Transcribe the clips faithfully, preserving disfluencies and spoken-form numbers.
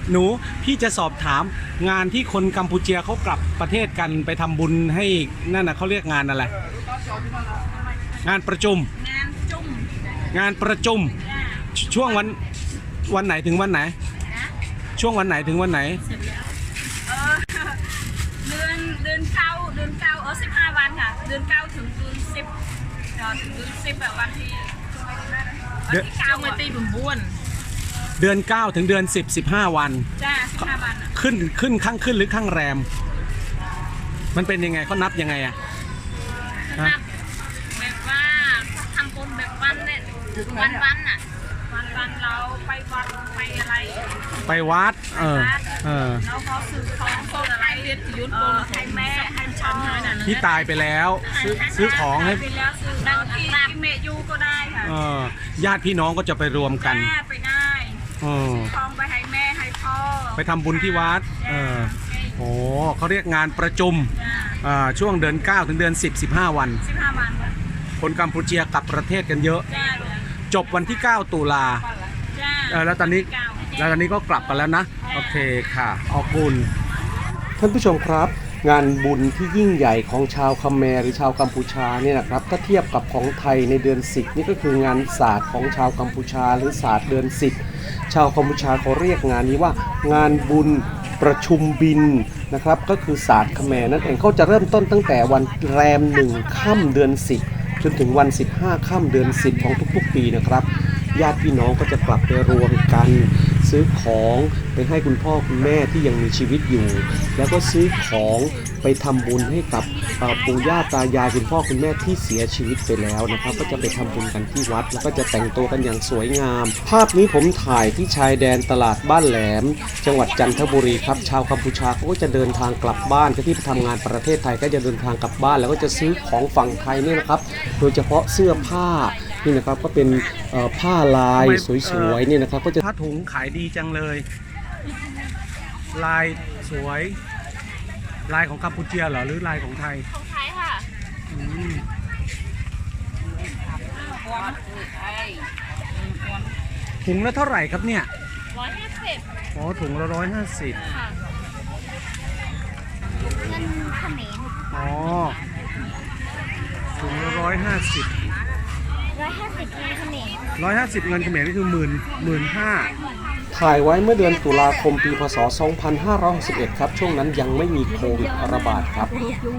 หนูพี่จะสอบถามงานที่คนกัมพูเชียเขากลับประเทศกันไปทำบุญให้นั่นนะเขาเรียกงานอะไรงานประชุมงานจุ่มงานประชุมช่วงวันวันไหนถึงวันไหนช่วงวันไหนถึงวันไหนเออเดือนเดือนเก้าเดือนเก้าเออสิบห้าวันค่ะเดือนเก้าถึงเดือนสิบถึงเดือนสิบแบบวันที่วันที่เก้าเมื่อตีบุญบุญเดือนเก้าถึงเดือนสิบ สิบห้าวันจ้าสิบห้าวันขึ้นขึ้นข้างขึ้นหรือข้างแรมมันเป็นยังไงเขานับยังไงอะนับแบบว่าทำบุญแบบวันเนี่ยวันวันอ่ะวันวันเราไปวัดไปอะไรไปวัดเออเออแล้วเขาซื้อของซื้ออะไรเรียนยุทธให้แม่ให้ฉันให้น่ะที่ตายไปแล้วซื้อซื้อของให้ไปแล้วซื้อดังที่เมยูก็ได้ค่ะเออญาติพี่น้องก็จะไปรวมกันไปได้ทองไปให้แม่ให้พ่อไปทำบุญที่วัดเออโอ้เขาเรียกงานประชุมช่วงเดือนเก้าถึงเดือนสิบ สิบห้าวันสิบห้าวันคนกัมพูเชียกลับประเทศกันเยอะจบวันที่เก้าตุลาแล้วตอนนี้แล้วตอนนี้ก็กลับกันแล้วนะโอเคค่ะขอบคุณท่านผู้ชมครับงานบุญที่ยิ่งใหญ่ของชาวคาเมรหรือชาวกัมพูชาเนี่ยนะครับถ้าเทียบกับของไทยในเดือนสิบนี่ก็คืองานศาสตร์ของชาวกัมพูชาหรือศาสตร์เดือนสิบชาวกัมพูชาเขาเรียกงานนี้ว่างานบุญประชุมบินนะครับก็คือศาสตร์คาเมรนั่นเองเขาจะเริ่มต้นตั้งแต่วันแรมหนึ่งค่ำเดือนสิบจนถึงวันสิบห้าค่ำเดือนสิบของทุกๆปีนะครับญาติพี่น้องก็จะกลับไปรวมกันซื้อของไปให้คุณพ่อคุณแม่ที่ยังมีชีวิตอยู่แล้วก็ซื้อของไปทำบุญให้กับปู่ย่าตายายคุณพ่อคุณแม่ที่เสียชีวิตไปแล้วนะครับก็จะไปทำบุญกันที่วัดแล้วก็จะแต่งตัวกันอย่างสวยงามภาพนี้ผมถ่ายที่ชายแดนตลาดบ้านแหลมจังหวัดจันทบุรีครับชาวกัมพูชาเขาก็จะเดินทางกลับบ้านก็ที่ไปทำงานประเทศไทยก็จะเดินทางกลับบ้านแล้วก็จะซื้อของฝั่งไทยนี่นะครับโดยเฉพาะเสื้อผ้านี่นะครับก็เป็นผ้าลายสวยๆนี่นะครับก็จะผ้าถุงขายดีจังเลยลายสวยลายของกัมพูเชียเหรอหรือลายของไทยของไทยค่ะถุงละเท่าไหร่ครับเนี่ยร้อยห้าสิบอ๋อถุงละร้อยห้าสิบเงินเขมรอ๋อถุงละร้อยห้าสิบร้อยห้าสิบเงินเขมรร้อยห้าสิบเงินเขมรนี่คือหมื่นหมื่นห้าถ่ายไว้เมื่อเดือนตุลาคมปีพ.ศ. สองพันห้าร้อยหกสิบเอ็ดครับช่วงนั้นยังไม่มีโควิดระบาดครับ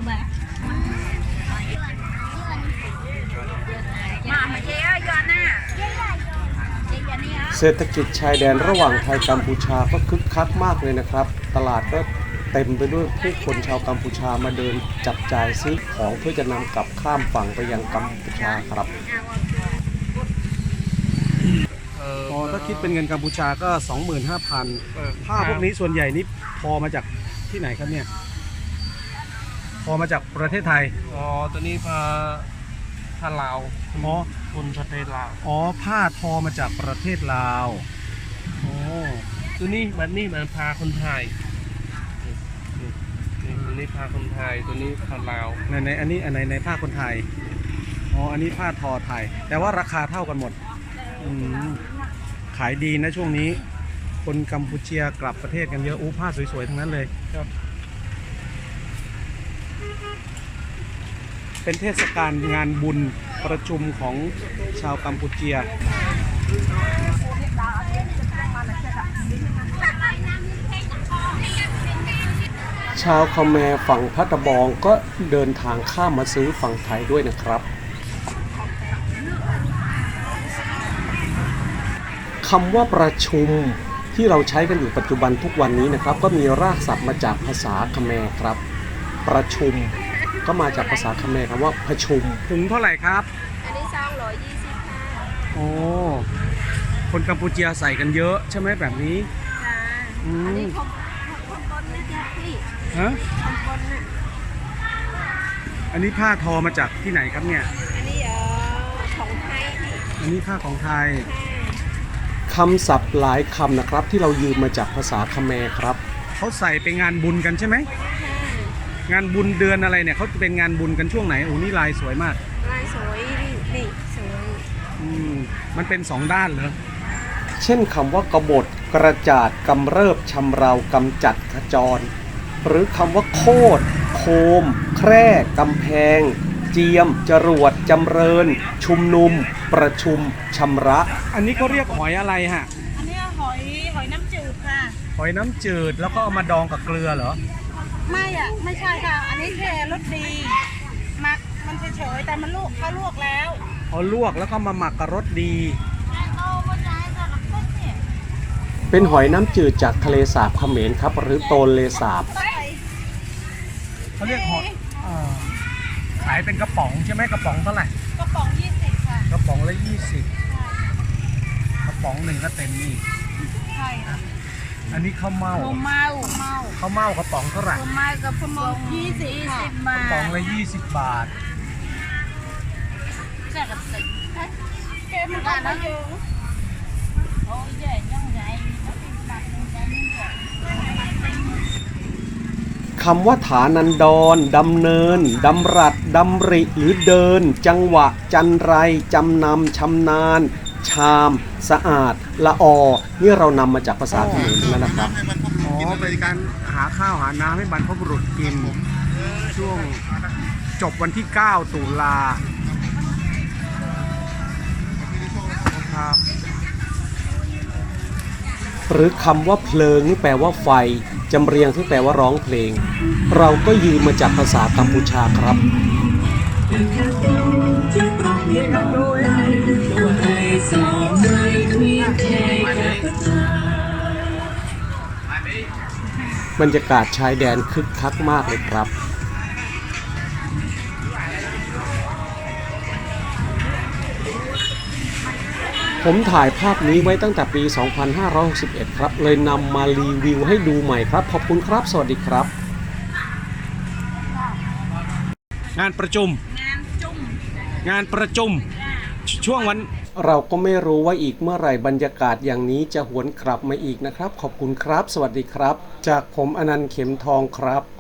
เศรษฐกิจชายแดนระหว่างไทยกัมพูชาก็คึกคักมากเลยนะครับตลาดก็เต็มไปด้วยผู้คนชาวกัมพูชามาเดินจับจ่ายซื้อของเพื่อจะนำกลับข้ามฝั่งไปยังกัมพูชาครับอ๋อถ้าคิดเป็นเงินกัมพูชาก็ สองหมื่นห้าพัน ผ้าพวกนี้ส่วนใหญ่นี่พอมาจากที่ไหนครับเนี่ยพอมาจากประเทศไทยอ๋อตัวนี้ผ้าผ้าลาวอ๋อคนประเทศลาวอ๋อผ้าทอมาจากประเทศลาวโอ้ตัวนี้มันนี่มันผ้าคนไทยตัวนี้ผ้าคนไทยตัวนี้ผ้าลาวในในอันนี้อันไหนในผ้าคนไทยอ๋ออันนี้ผ้าทอไทยแต่ว่าราคาเท่ากันหมดอืมขายดีนะช่วงนี้คนกัมพูเชียกลับประเทศกันเยอะอู้ผ้าสวยๆทั้งนั้นเลยครับเป็นเทศกาลงานบุญประชุมของชาวกัมพูเชียชาวคาเมรฝั่งพัทบองก็เดินทางข้ามมาซื้อฝั่งไทยด้วยนะครับคำว่าประชุมที่เราใช้กันอยู่ปัจจุบันทุกวันนี้นะครับก็มีรากศัพท์มาจากภาษาคาเมรครับประชุมก็มาจากภาษาคาเมรคำว่าประชุมถุงเท่าไหร่ครับอันนี้สองร้อยยี่สิบค่ะโอ้คนกัมพูเชียใส่กันเยอะใช่ไหมแบบนี้ค่ะอันนี้ของของบนนะจ๊ะพี่ฮะของบนน่ะอันนี้ผ้าทอมาจากที่ไหนครับเนี่ยอันนี้เอ่อของไทยอันนี้ผ้าของไทยคำศัพท์หลายคำนะครับที่เรายืมมาจากภาษาคาเมรครับเขาใส่ไปงานบุญกันใช่ไหมงานบุญเดือนอะไรเนี่ยเขาจะเป็นงานบุญกันช่วงไหนโอ้นี่ลายสวยมากลายสวยนี่สวยอืมมันเป็นสองด้านเหรอเช่นคำว่ากบฏกระจาดกำเริบชำเรากำจัดขจร หรือคำว่าโคตรโคม แคร่กำแพง เจียม จรวด จำเริญ ชุมนุม ประชุมชำระ อันนี้เขาเรียกหอยอะไรฮะอันนี้หอยหอยน้ำจืดค่ะหอยน้ำจืดแล้วก็เอามาดองกับเกลือเหรอไม่อ่ะ ไม่ใช่ค่ะ อันนี้แค่รสดีหมักมันเฉยๆแต่มันลวกเขาลวกแล้วเอาลวกแล้วก็มาหมักกับรสดีเอามาจ่ายค่ะหลักต้นเนี่ยเป็นหอยน้ำจืดจากทะเลสาบเขมรครับ หรือโตนเลสาบใส่เขาเรียกหอยขายเป็นกระป๋องใช่ไหมกระป๋องเท่าไหร่กระป๋องยี่สิบค่ะกระป๋องละยี่สิบกระป๋องหนึ่งก็เต็มนี่ใช่ค่ะอันนี้ข้าวเม่าโมเมาเมาข้าวเม่ากระป๋องเท่าไหร่โมเมากับพมงยี่สิบค่ะบากระป๋องทละยี่สิบบาทแค่กับสิบเกมมันก็มาเยอะโอ้ยใหญ่ยังไงแล้วเป็นบาทหนึ่งได้หนึ่งบาทคำว่าฐานันดรดำเนิน ดำรัดดำริหรือเดิน จังหวะ จันไร จำนำชำนาญ ชาม สะอาด ละออ นี่เรานำมาจากภาษาเขมรแล้วนะครับ อ๋อ เป็นการหาข้าวหาน้ำให้บรรพบุรุษกิน ช่วงจบวันที่ เก้า ตุลาครับ หรือคำว่าเพลิงนี่แปลว่าไฟ จำเรียงที่แปลว่าร้องเพลง เราก็ยืมมาจากภาษากัมพูชาครับ บรรยากาศชายแดนคึกคักมากเลยครับ ผมถ่ายภาพนี้ไว้ตั้งแต่ปี สองพันห้าร้อยหกสิบเอ็ด ครับ เลยนำมารีวิวให้ดูใหม่ครับ ขอบคุณครับ สวัสดีครับ งานประชุมงานจุ่มงานประชุมจ้าช่วงวัน เราก็ไม่รู้ว่าอีกเมื่อไหร่บรรยากาศอย่างนี้จะหวนกลับมาอีกนะครับ ขอบคุณครับ สวัสดีครับ จากผมอนันต์เข็มทองครับ